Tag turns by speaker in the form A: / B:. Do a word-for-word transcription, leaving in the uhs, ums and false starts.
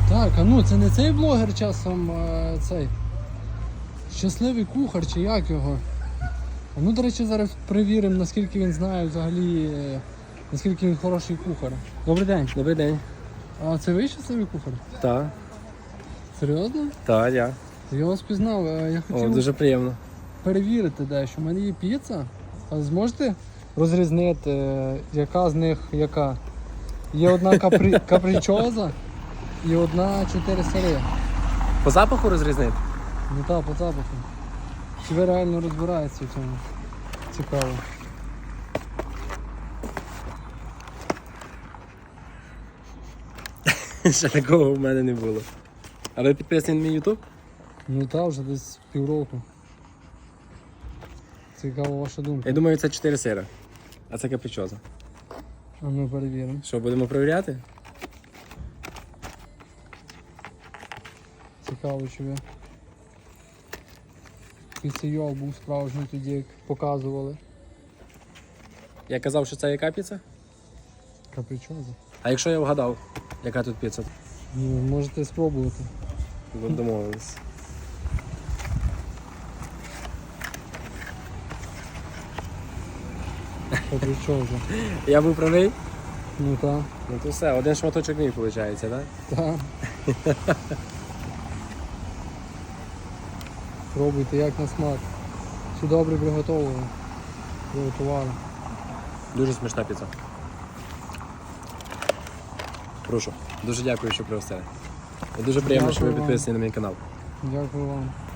A: Так, а ну це не цей блогер часом а, цей щасливий кухар чи як його? А ну, до речі, зараз перевіримо, наскільки він знає взагалі, е, наскільки він хороший кухар. Добрий день.
B: Добрий день.
A: А це ви щасливий кухар?
B: Так,
A: Серйозно?
B: так, я.
A: Я вас пізнав, е, я хотів
B: О, дуже приємно.
A: перевірити дещо. У мене є піца. А зможете розрізнити, е, яка з них яка? Є одна капрі... капричоза і одна чотири сири.
B: По запаху розрізнити?
A: Ну так, по запаху. Чи ви реально розбираєтеся в цьому? Цікаво.
B: Ще такого в мене не було. А ви підписані на мій ютуб?
A: Ну так, вже десь півроку. Цікава ваша думка.
B: Я думаю, це чотири сира. А це капричоза.
A: А ми перевіримо.
B: Що, будемо перевіряти?
A: Цікаво, чи ви. Піцейол був справжній тоді, як показували.
B: Я казав, що це яка піца?
A: Капричоза.
B: А якщо я вгадав, яка тут піца?
A: Ну, можете спробувати.
B: Ну, домовились.
A: Капричоза.
B: Я був правий?
A: Ну так.
B: Ну то все, один шматочок мій виходить, так?
A: Так. Пробуйте, як на смак. Все добре приготовлено. Приготували.
B: Дуже смачна піца. Прошу. Дуже дякую, що пригостили. І дуже приємно, що ви
A: Дякую вам.
B: підписані на мій канал.
A: Дякую вам.